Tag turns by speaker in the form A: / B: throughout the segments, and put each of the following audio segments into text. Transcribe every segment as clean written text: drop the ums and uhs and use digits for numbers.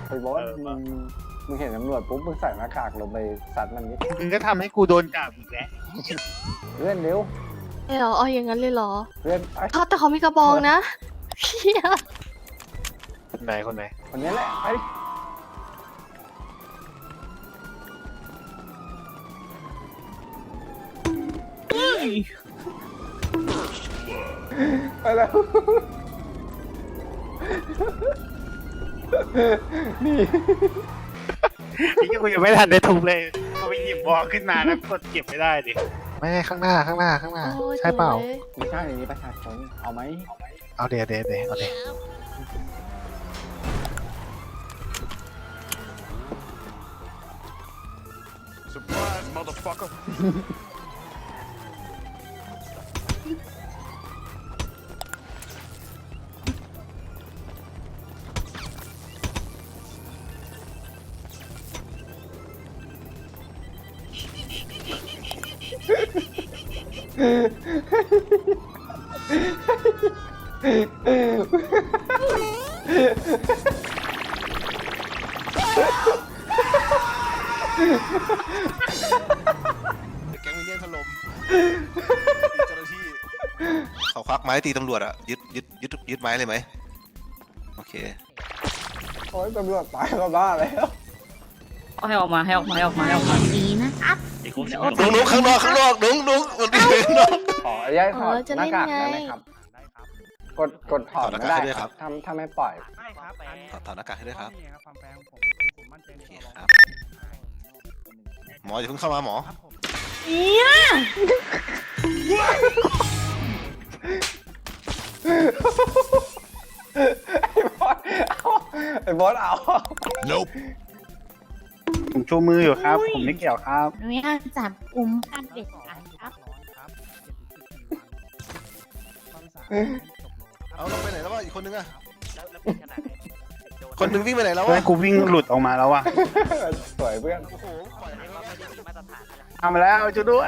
A: ไอ้บอสมึงเห็นตำรวจปุ๊บมึงใส่หน้ากากลงไปสัตว์มันนิด
B: มึงก็ทำให้กูโดนจับอีกแล้ว
A: เพื่อนเร็ว
C: เอาอย่างนั้นเลยเหรอ
A: เพื่อนไอ้
C: แต่เขามีกระบองนะเฮีย
B: คนไหนคนไหน
A: คนนี้แหละไปไปแล้วนี่
B: นี่กูยังไม่ทันได้ทุบเลยพอไปหยิบบอลขึ้นมาแล้วกดเก็บไม่ได้ดิไม่ข้างหน้าใช่เปล่า
A: ไม่ใช่อย่างนี้ประชาชนเอาไหม
B: เอาเดี๋ยวเอาเดี๋ยว
D: Surprise, motherfucker.
E: แก๊งมินเนี่ยนถล่มเจ้าหน้าที่เขาควักไม้ตีตำรวจอะยึดไม้เลยไหมโอเค
A: โอ้ยตำรวจตายก็บ้าแล้ว
F: ให้ออกมา
G: ดีนะครับ
E: นุ๊กข้างนอกนุ๊กมันมีข้างนอก
A: ขออนุญาตถอดหน้ากากได้ไหมครับกดถอดไม่ได้ครับถ้าไม่ปล่อย
E: ถอดหน้ากากให้ด้วยครับโอเคครับหมออย่าเพิ่งเข้ามาหมอ
A: ไอ้บอสเอา
D: Nope.
B: ผมชูมืออยู่ครับ ผมไม่เกี่ยวครับ
G: อนุญาตจับกลุ่มขั้นเด็ดขาดครับ
E: เอาลงไปไหนแล้ววะอีกคนนึงอะคนนึงวิ่งไปไหนแล้ว
B: เพื่อ
E: วะ
B: นกูวิ่งหลุดออกมาแล้วอ่ะ
A: สวยเพื่อน
E: โอ้โหปล่อยให้เราไปดิ
B: ทำมาแล้วช่วยด้วย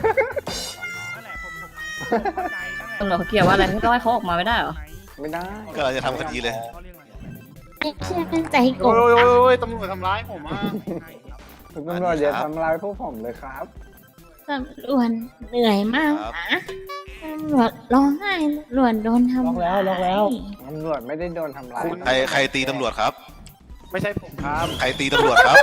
F: ตำรวจเขาเกี่ยวว่าอะไรไม่ต้องให้เขาออกมาไม่ได้เหรอ
A: ไม่ได้
E: ก็เราจะทำคดีเลย
G: ไม่เชื่อใจก
B: โอ้
G: บ
B: ยตำรวจทำร้ายผมอ่ะ
A: คุณตำรวจอย่าทำร้ายพวกผมเลยครับ
G: ตำรวจเหนื่อยมากนะตำรวจร้องไห้ตำรวจโดนทำร้าย
A: ตำรวจไม่ได้โดนทำร้าย
E: ใครตีตำรวจครับ
B: ไม่ใช่ผมครับ
E: ใครตีตำรวจครับ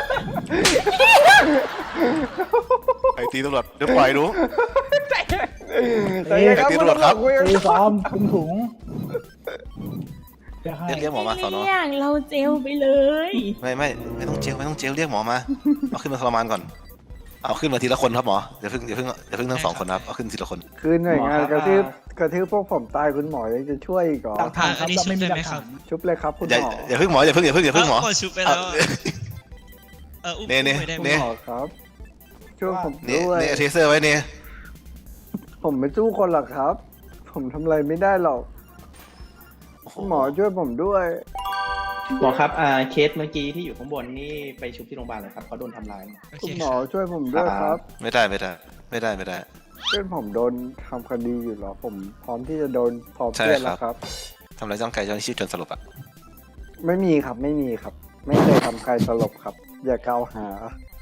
E: ใครตีตำรวจเดี๋ยวปล่อยนุ๊ก
A: ใจเย็นครับ
E: ตีตำรวจครับ
A: คุยกัน
H: ซ้อมคุณถุง
E: เรียกหมอมาสอนอ
G: เรียกเราเจลไปเลย
E: ไม่ต้องเจลเรียกหมอมาเอาขึ้นมาทรมานก่อนเอาขึ้นมาทีละคนครับหมออย่าเพิ่งทั้งสองคนครับเอาขึ้นทีละคน
A: คือหน่วยงานกระทืบพวกผมตายคุณหมอยังจะช่วยอีกเหรอ
H: หลักฐานครับเราไม่มีหลักฐาน
A: ชุบเลยครับคุณหมอ
E: อย่าเพิ่งหมออย่าเพิ่งหมอ
I: ก็ชุบไปแล้วอุ้ม
E: เนี่ย
I: ไม่ได้
A: คุณ
E: เนี่ย
A: หมอครับช่วยผม
E: เนี่ย
A: ด้วย
E: เทเซอร์ไว้เนี่ย
A: ผมไม่สู้คนหรอกครับ ผมทำอะไรไม่ได้หรอกคุณหมอช่วยผมด้วย
H: หมอครับเคสเมื่อกี้ที่อยู่ข้างบนนี่ไปชุบที่โรงพยาบาลเลยครับเขาโดนทำร้าย
I: โอ
A: คุ
I: เค
A: ณหมอช่วยผมด้วยครับ
E: ไม่ได้
A: เพื่อนผมโดนทำคดีอยู่เหรอผมพร้อมที่จะโดนพร้อมเพื่อนแล้วครับ
E: ทำร้ายร่างกายเจ้าหน้าที่จนสลบอ่ะ
A: ไม่มีครับ ไม่เคยทำใครสลบครับ อย่ากล่าวหา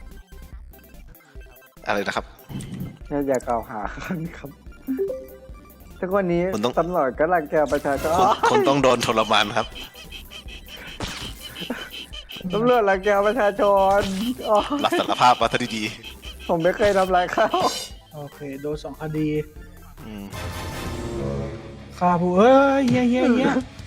E: อะไรนะครับ
A: อย่ากล่าวหาครับทุกวันนี้
E: คุณต้อง
A: ตำรวจก็รังแกประชาชน
E: คนต้องโดนทรมานครับ
A: ตำรวจรังแกประชาชนอ๋อ
E: รับสารภาพมาซะดี
A: ผมไม่เคยทำอะไรเขา
H: โอเคโดน2 คดี
E: ๆอืม
H: ฆ่าผู้เอ้ยเฮีย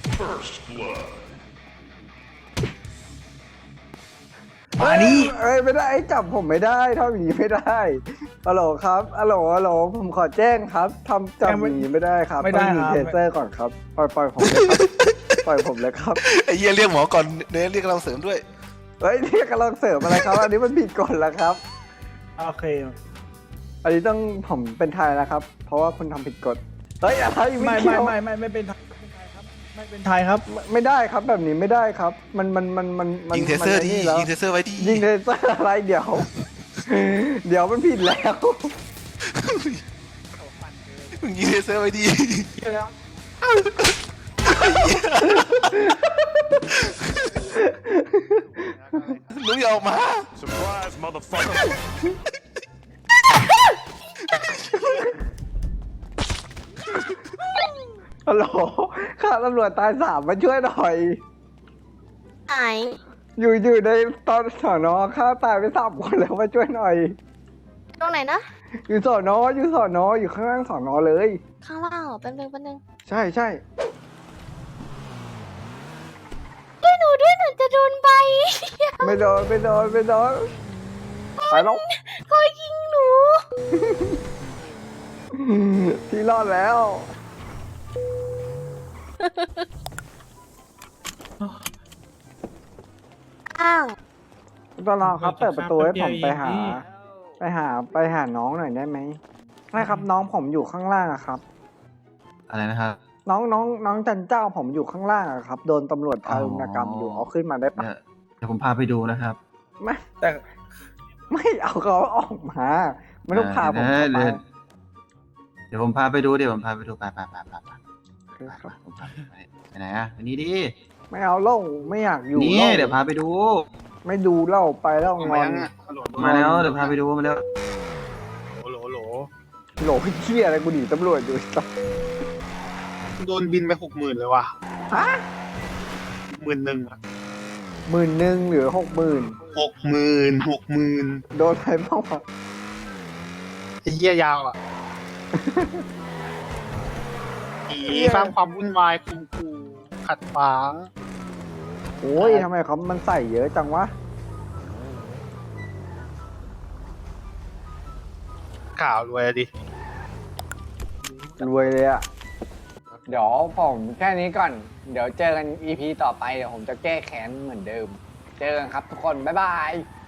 H: มานี่
A: เอ้ยไม่ได้จับผมไม่ได้ทำอย่างนี้ไม่ได้ฮัลโหลครับฮัลโหลผมขอแจ้งครับทำจับอย่างนี้ไม่ได้ครับ
H: ไม่ได้
A: ต้องมี
H: ครับ
A: เทเซอร์ก่อนครับปล่อยผมเลยครับ ปล่อยผมเลยครับ
E: ไอ้เหี้ยเรียกหมอก่อนเรียกกำลังเสริมด้วย
A: เฮ้ยนี่กำลังเสริมอะไรครับ อันนี้มันผิดกฎแล้วครับ
H: โอเค
A: อันนี้ต้องผมเป็นไทยนะครับ เพราะว่าคุณทำผิดกฎเฮ้ยอะไร
H: ไม่
A: เกี่ยว
H: ไม่เป็นไทยครับไม่เป็นไทยครับ
A: ไม่ได้ครับแบบนี้ไม่ได้ครับ มัน
E: ยิงเทเซอร์ดิ
A: มันไนี่แล้ว
E: ยิงเทเซอร์ไว้ดิ
A: ยิงเทเซอร์อะไรเดี๋ยว เดี๋ยวมันผิดแล้ว
E: มึงยิงเทเซอร์ไว้ดิลุงอย่าออกมา
D: Surprise, motherfucker.
A: ฮัลโหลข้าตำรวจตาย3มาช่วยหน่อย
C: ไหน
A: อยู่ในตอนสอนอข้าตายไป3คนแล้วมาช่วยหน่อย
C: ตรงไหนนะ
A: อยู่สอนออยู่ข้างล่างสอนอเลย
C: ข้างล่างเหรอแป๊บนึง
A: ใช่
C: ด้วยหนูจะโดนใบ
A: ไม่โดนไปแล้ว
C: เขายิงหนู
A: ที่รอดแล้ว
C: อ้าว
A: ตอนรอครับเปิดประตูให้ผมไปหาน้องหน่อยได้ไหมไม่ครับน้องผมอยู่ข้างล่างอะครับ
J: อะไรนะครับ
A: น้องจันเจ้าผมอยู่ข้างล่างอะครับ โดนตำรวจทารุณกรรมอยู่เอาขึ้นมาได้ปะ
J: เดี๋ยวผมพาไปดูนะครับ
A: ไม่แต่ไม่เอาเขาออกมาไม่ต้องพาผมออกมา
J: เดี๋ยวผมพาไปดูไปผมพาไปไปไหนอะไปนี่ดิ
A: ไม่เอาเล่าไม่อยากอยู่
J: นี่
A: เล่า
J: เดี๋ยวพาไปดู
A: ไม่ดูเล่าไปแล้วง
B: มา
A: อน
B: ยังอ่ะฮัลโหล
J: มาแล้วเดี๋ยวพาไปดูมาแล้ว
B: โหล
A: โหลพี่เชี่ยอะไรกูหนีตำรวจอยู่สัส
B: โดนบินไป60,000เลยว่ะ
A: ฮะ
B: 11,000อ่ะ
A: 10,000หรือ60,000
B: 60,000
A: โดนไปบ้างวะ
B: ไอ้เหี้ยยาวอ่ะอีสร้างความวุ่นวายคูขัดขวาง
A: โอ้ยทำไมเขามันใส่เยอะจังวะ
B: ข่าวรวยดิ
A: รวยเลยอะเดี๋ยวผมแค่นี้ก่อน เดี๋ยวเจอกัน EP ต่อไป เดี๋ยวผมจะแก้แค้นเหมือนเดิม เจอกันครับทุกคน บ๊ายบาย